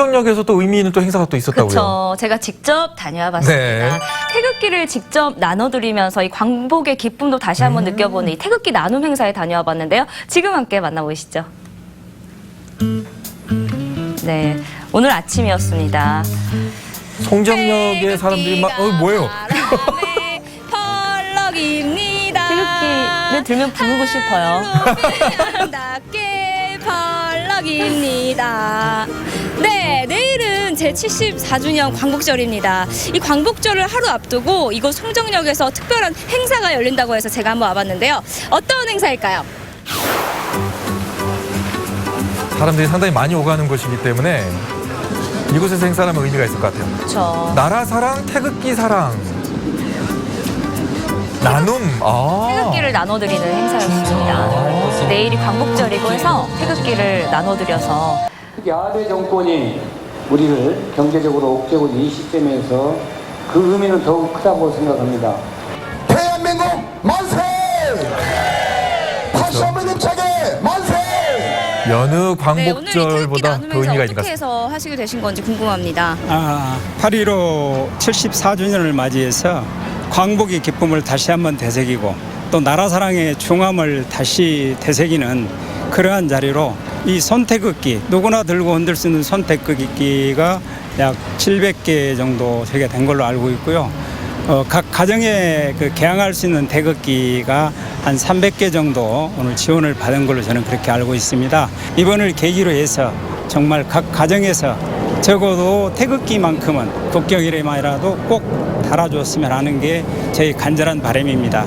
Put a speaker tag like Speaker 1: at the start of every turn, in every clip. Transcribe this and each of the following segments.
Speaker 1: 송정역에서 또 의미 있는 또 행사가 또 있었다고요.
Speaker 2: 그렇죠. 제가 직접 다녀와 봤습니다.
Speaker 1: 네.
Speaker 2: 태극기를 직접 나눠드리면서 이 광복의 기쁨도 다시 한번 느껴보는 이 태극기 나눔 행사에 다녀와 봤는데요. 지금 함께 만나보시죠. 네, 오늘 아침이었습니다.
Speaker 1: 송정역의 사람들이 막 뭐예요?
Speaker 2: 펄럭입니다. 태극기를 들면 부르고 싶어요. 아름답게 펄럭입니다. 네, 내일은 제74주년 광복절입니다. 이 광복절을 하루 앞두고 이곳 송정역에서 특별한 행사가 열린다고 해서 제가 한번 와봤는데요. 어떤 행사일까요?
Speaker 1: 사람들이 상당히 많이 오가는 곳이기 때문에 이곳에서 행사하면 의미가 있을 것 같아요.
Speaker 2: 그렇죠.
Speaker 1: 나라 사랑, 태극기 사랑. 나눔.
Speaker 2: 태극기를 나눠드리는 행사였습니다. 내일이 광복절이고 해서 태극기를 나눠드려서
Speaker 3: 특히 아베 정권이 우리를 경제적으로 옥죄고 이 시점에서 그 의미는 더욱 크다고 생각합니다.
Speaker 4: 대한민국 만세! 다시 한번 힘차게 만세!
Speaker 1: 여느
Speaker 2: 네, 오늘 이 태극기
Speaker 1: 광복절보다
Speaker 2: 나눔
Speaker 1: 더
Speaker 2: 행사
Speaker 1: 의미가 있는 것
Speaker 2: 어떻게
Speaker 1: 같습니다.
Speaker 2: 해서 하시게 되신 건지 궁금합니다.
Speaker 5: 8.15 74주년을 맞이해서 광복의 기쁨을 다시 한번 되새기고 또 나라 사랑의 중함을 다시 되새기는 그러한 자리로 이 손태극기, 누구나 들고 흔들 수 있는 손태극기가 약 700개 정도 설계된 걸로 알고 있고요. 각 가정에 개항할 수 있는 태극기가 한 300개 정도 오늘 지원을 받은 걸로 저는 그렇게 알고 있습니다. 이번을 계기로 해서 정말 각 가정에서 적어도 태극기만큼은 국경일에만이라도 꼭 달아줬으면 하는 게 저희 간절한 바람입니다.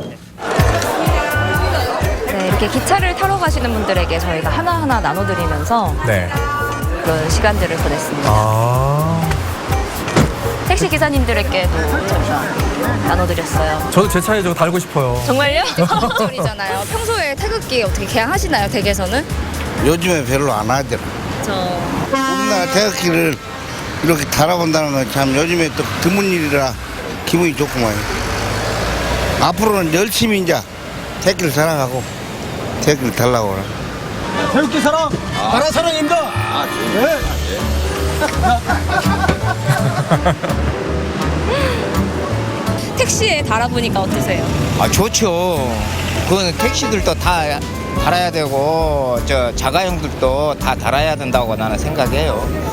Speaker 2: 네, 이렇게 기차를 타러 가시는 분들에게 저희가 하나하나 나눠드리면서
Speaker 1: 네.
Speaker 2: 그런 시간들을 보냈습니다. 택시 기사님들에게도 저희가 나눠드렸어요.
Speaker 1: 저도 제 차에 저거 달고 싶어요.
Speaker 2: 정말요? 광복절이잖아요. 평소에 태극기 어떻게 개항하시나요, 댁에서는?
Speaker 6: 요즘에 별로 안 하더라. 우리나라 태극기를 이렇게 달아본다는 건 참 요즘에 또 드문 일이라 기분이 좋구만. 앞으로는 열심히 이제 태극기를 사랑하고 태극기를 달라고 그래.
Speaker 4: 태극기 사랑! 나라 사랑입니다! 네.
Speaker 2: 택시에 달아보니까 어떠세요?
Speaker 7: 좋죠. 그건 택시들도 다 달아야 되고 저 자가용들도 다 달아야 된다고 나는 생각해요.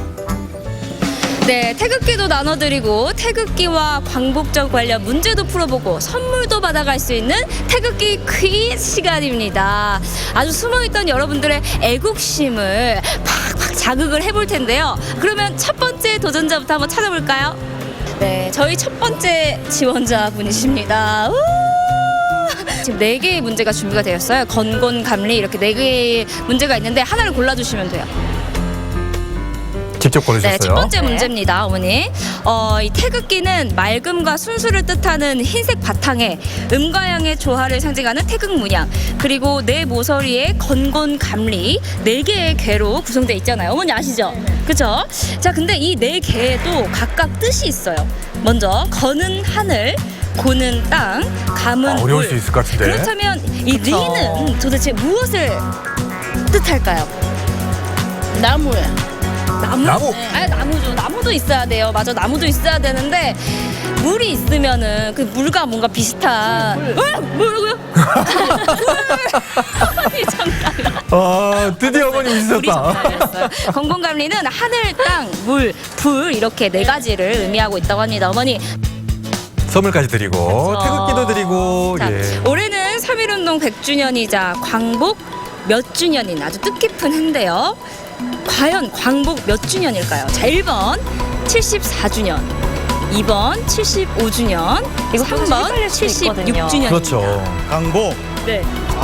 Speaker 2: 네, 태극기도 나눠드리고 태극기와 광복절 관련 문제도 풀어보고 선물도 받아갈 수 있는 태극기 퀴즈 시간입니다. 아주 숨어있던 여러분들의 애국심을 팍팍 자극을 해볼 텐데요. 그러면 첫 번째 도전자부터 한번 찾아볼까요? 네, 저희 첫 번째 지원자 분이십니다. 지금 4개의 문제가 준비가 되었어요. 건곤, 감리 이렇게 4개의 문제가 있는데 하나를 골라주시면 돼요.
Speaker 1: 직접 고르셨어요?
Speaker 2: 네, 첫 번째 문제입니다, 어머니. 이 태극기는 맑음과 순수를 뜻하는 흰색 바탕에 음과 양의 조화를 상징하는 태극 문양, 그리고 네 모서리에 건곤, 감리 4개의 개로 구성되어 있잖아요. 어머니 아시죠? 그렇죠? 자, 근데 이 4개에도 각각 뜻이 있어요. 먼저 건은 하늘, 고는 땅, 감은 물.
Speaker 1: 어려울 수 있을 것 같은데.
Speaker 2: 그렇다면 이 리는 도대체 무엇을 뜻할까요? 나무예요. 나무? 아, 나무죠. 나무도 있어야 돼요. 맞아, 나무도 있어야 되는데 물이 있으면은 그 물과 뭔가 비슷한. 뭐라고요? 물. 정답.
Speaker 1: 드디어 어머니
Speaker 2: 우리
Speaker 1: 웃으셨다.
Speaker 2: 정답이었어요. 건곤감리는 하늘, 땅, 물, 불 이렇게 4가지를 의미하고 있다고 합니다. 어머니.
Speaker 1: 선물까지 드리고
Speaker 2: 그렇죠.
Speaker 1: 태극기도 드리고.
Speaker 2: 자,
Speaker 1: 예.
Speaker 2: 올해는 3.1운동 100주년이자 광복 몇 주년인 아주 뜻깊은 해인데요. 과연 광복 몇 주년일까요? 자, 1번 74주년, 2번 75주년, 그리고 3번 76주년입니다.
Speaker 1: 그렇죠.
Speaker 8: 광복
Speaker 2: 네.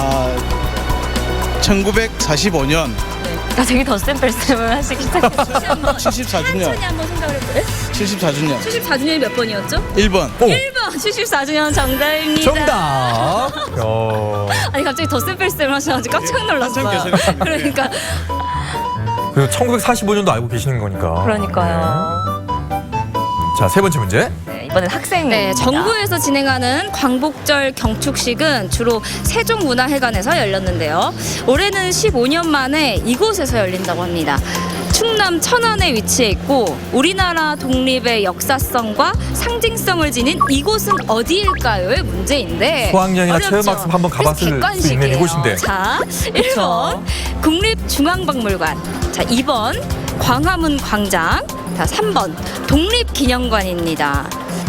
Speaker 8: 1945년
Speaker 2: 나 되게 덧셈뺄셈을 하시기 시작했어요.
Speaker 8: 74주년
Speaker 2: 천천히 한번 생각을 해볼까요?
Speaker 8: 74주년
Speaker 2: 74주년이 몇 번이었죠?
Speaker 8: 1번
Speaker 1: 오,
Speaker 2: 1번 74주년 정답입니다.
Speaker 1: 정답.
Speaker 2: 아니 갑자기 덧셈뺄셈을 하셔가지고 깜짝 놀랐어요.
Speaker 8: 한참 계세요.
Speaker 2: 그러니까.
Speaker 1: 그 1945년도 알고 계시는 거니까.
Speaker 2: 그러니까요.
Speaker 1: 자, 세 번째 문제.
Speaker 2: 네, 이번엔 학생. 네, 정부에서 진행하는 광복절 경축식은 주로 세종문화회관에서 열렸는데요. 올해는 15년 만에 이곳에서 열린다고 합니다. 충남 천안에 위치해 있고 우리나라 독립의 역사성과 상징성을 지닌 이곳은 어디일까요의 문제인데
Speaker 1: 수학여행이나
Speaker 2: 어렵죠?
Speaker 1: 체험학습 한번 가봤을
Speaker 2: 그래서
Speaker 1: 수 있는
Speaker 2: 객관식이에요.
Speaker 1: 이곳인데.
Speaker 2: 자, 1번 국립중앙박물관, 자 2번 광화문 광장, 자 3번 독립기념관입니다.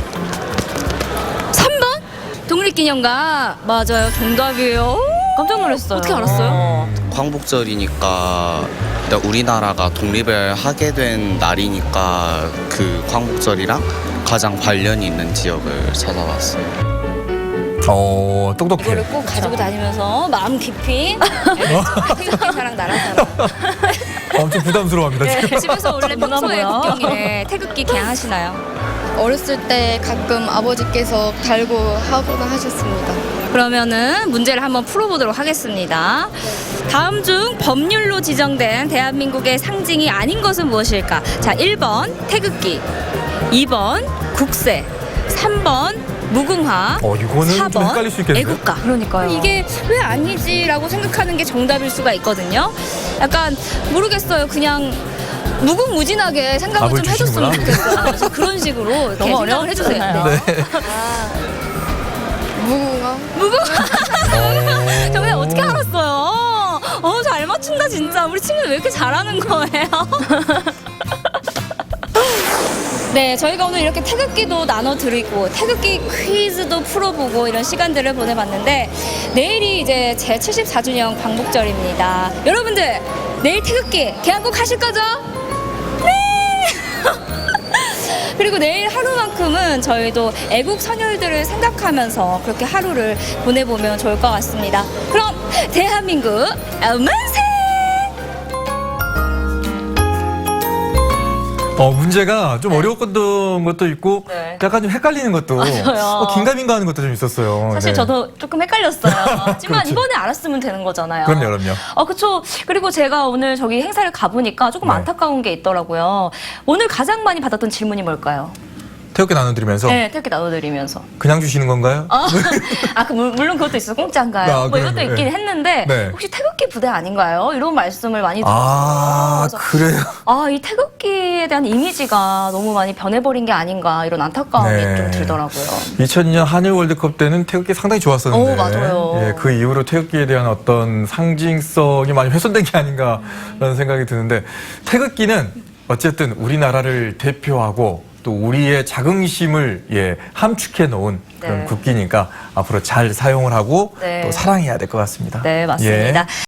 Speaker 2: 3번 독립기념관 맞아요. 정답이에요. 깜짝 놀랐어요. 어떻게 알았어요?
Speaker 9: 광복절이니까 일단 우리나라가 독립을 하게 된 날이니까 그 광복절이랑 가장 관련이 있는 지역을 찾아봤어요.
Speaker 1: 똑똑해.
Speaker 2: 이거를 꼭 가지고 다니면서 마음 깊이 태극기 사랑 나라 사랑.
Speaker 1: 엄청 부담스러워합니다,
Speaker 2: 네,
Speaker 1: 지금.
Speaker 2: 집에서 원래 평소에
Speaker 10: 뭐야?
Speaker 2: 국경일에 태극기 개항하시나요?
Speaker 10: 어렸을 때 가끔 아버지께서 달고 하거나 하셨습니다.
Speaker 2: 그러면은 문제를 한번 풀어보도록 하겠습니다. 다음 중 법률로 지정된 대한민국의 상징이 아닌 것은 무엇일까? 자, 1번 태극기, 2번 국세, 3번 무궁화,
Speaker 1: 이거는 좀
Speaker 2: 4번
Speaker 1: 헷갈릴 수 있겠는데?
Speaker 2: 애국가.
Speaker 10: 그러니까요.
Speaker 2: 이게 왜 아니지라고 생각하는 게 정답일 수가 있거든요. 약간 모르겠어요. 그냥 무궁무진하게 생각을
Speaker 1: 답을
Speaker 2: 좀 해줬으면
Speaker 1: 주시는구나.
Speaker 2: 좋겠어요. 그래서 그런 식으로 이렇게
Speaker 10: 너무
Speaker 2: 생각을 해주세요.
Speaker 10: 어려웠잖아요.
Speaker 1: 네.
Speaker 10: 무궁화?
Speaker 2: 정말 어떻게 알았어요? 잘 맞춘다 진짜. 우리 친구들 왜 이렇게 잘하는 거예요? 네, 저희가 오늘 이렇게 태극기도 나눠드리고 태극기 퀴즈도 풀어보고 이런 시간들을 보내봤는데 내일이 이제 제 74주년 광복절입니다. 여러분들 내일 태극기 개항 꼭 하실 거죠? 네! 그리고 내일 하루만큼은 저희도 애국 선열들을 생각하면서 그렇게 하루를 보내보면 좋을 것 같습니다. 그럼 대한민국 만세!
Speaker 1: 문제가 좀 어려웠던 것도 있고
Speaker 2: 네.
Speaker 1: 약간 좀 헷갈리는 것도
Speaker 2: 맞아요.
Speaker 1: 긴가민가 하는 것도 좀 있었어요.
Speaker 2: 사실
Speaker 1: 네.
Speaker 2: 저도 조금 헷갈렸어요. 하지만
Speaker 1: 그렇죠.
Speaker 2: 이번에 알았으면 되는 거잖아요.
Speaker 1: 그럼요.
Speaker 2: 그렇죠. 그리고 제가 오늘 저기 행사를 가보니까 조금
Speaker 1: 네.
Speaker 2: 안타까운 게 있더라고요. 오늘 가장 많이 받았던 질문이 뭘까요?
Speaker 1: 태극기 나눠드리면서
Speaker 2: 네, 태극기 나눠드리면서.
Speaker 1: 그냥 주시는 건가요?
Speaker 2: 물론 그것도 있어서 공짜인가요? 뭐 이것도
Speaker 1: 그럼요.
Speaker 2: 있긴 했는데
Speaker 1: 네.
Speaker 2: 혹시 태극기 부대 아닌가요? 이런 말씀을 많이 들었어요. 그래서
Speaker 1: 그래요?
Speaker 2: 이 태극기에 대한 이미지가 너무 많이 변해버린 게 아닌가 이런 안타까움이
Speaker 1: 네.
Speaker 2: 좀 들더라고요.
Speaker 1: 2002년 한일 월드컵 때는 태극기 상당히 좋았었는데
Speaker 2: 맞아요.
Speaker 1: 예, 그 이후로 태극기에 대한 어떤 상징성이 많이 훼손된 게 아닌가라는 생각이 드는데 태극기는 어쨌든 우리나라를 대표하고 또 우리의 자긍심을 함축해 놓은 그런
Speaker 2: 네.
Speaker 1: 국기니까 앞으로 잘 사용을 하고
Speaker 2: 네.
Speaker 1: 또 사랑해야 될 것 같습니다.
Speaker 2: 네, 맞습니다.
Speaker 1: 예.